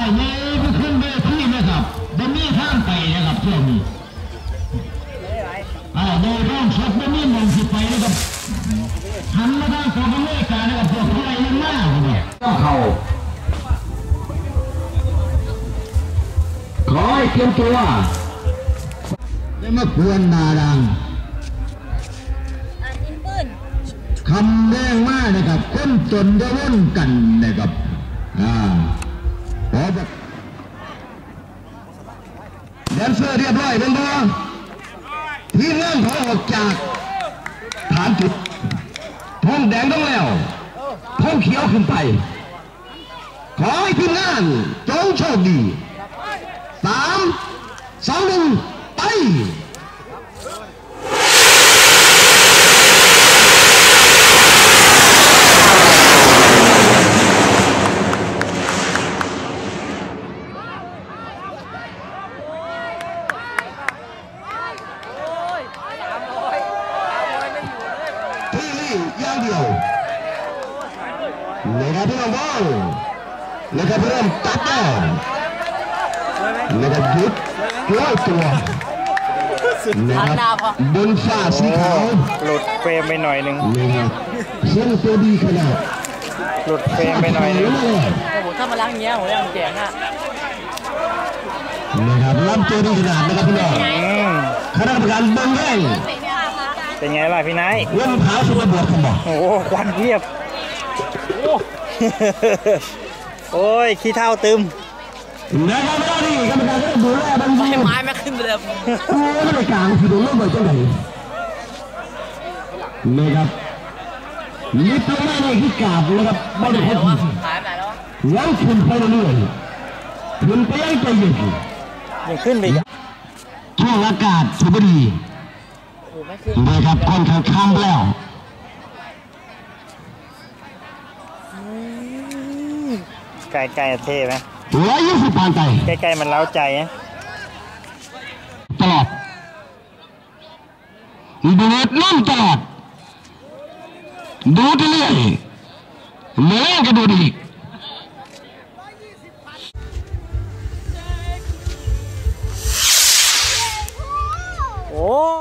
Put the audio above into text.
เงี้ยก็ขึ้นเวทีนะครับบนนี้ข้างไปนะครับช่วงนี้โดยร่องชกบนนี้มองสิไปนะครับหันมาทางกองอเมริกานะครับพวกใครมันมากเลยต้องเข่าขอให้เตรียมตัวได้มาควรนาดังคำแรงมากนะครับก้นจนจะว่นกันนะครับขอแบบแดนเซอร์เรียบร้อยเป็นตัวที่เริ่มเขาออกจากฐานจุดทงแดงต้องแล้วทงเขียวขึ้นไปขอให้ทีมงานจงโชคดี3 2 1ไปอย่างเดียวนะครับพี่น้องบอลนะครับเริ่มตัดแล้วนะครับยุดร้อยตัวนะครับบนฝ้าสีขาวหลุดเฟรมไปหน่อยหนึ่งนะครับเส้นตัวดีขนาดหลุดเฟรมไปหน่อยนึงผมถ้ามาล้างเงี้ยผมยังแข็งอ่ะนะครับล้ำตัวดีขนาดนะครับพี่น้องคณะกรรมการเบิ้งแย่งเป็นไงล่ะพี่นายเริ่มเท้าสุดระเบิดผมบอกโอ้ควันเพียบโอ้ยขี้เท่าตึมนะครับไม่ได้ดิกรรมการก็ดูแลบางทีไม้ไม่ขึ้นไปเลยโอ้ไม่ได้กลางคือโดนลูกบอลจังไหนนะครับลิฟต์ลงมาเนี่ยคือกาบนะครับไม่ได้คนยังขึ้นไปเรื่อยๆขึ้นไปยังใจเย็นยังขึ้นไปช่วงอากาศสุบดีนะครับคนข้างแล้วไกลๆเท่ไหม 120 ปานใจใกล้ๆมันเล้าใจนะตลอดดูดน้ำตลอดดูเรื่อยเมื่อก็ดูดีโอ้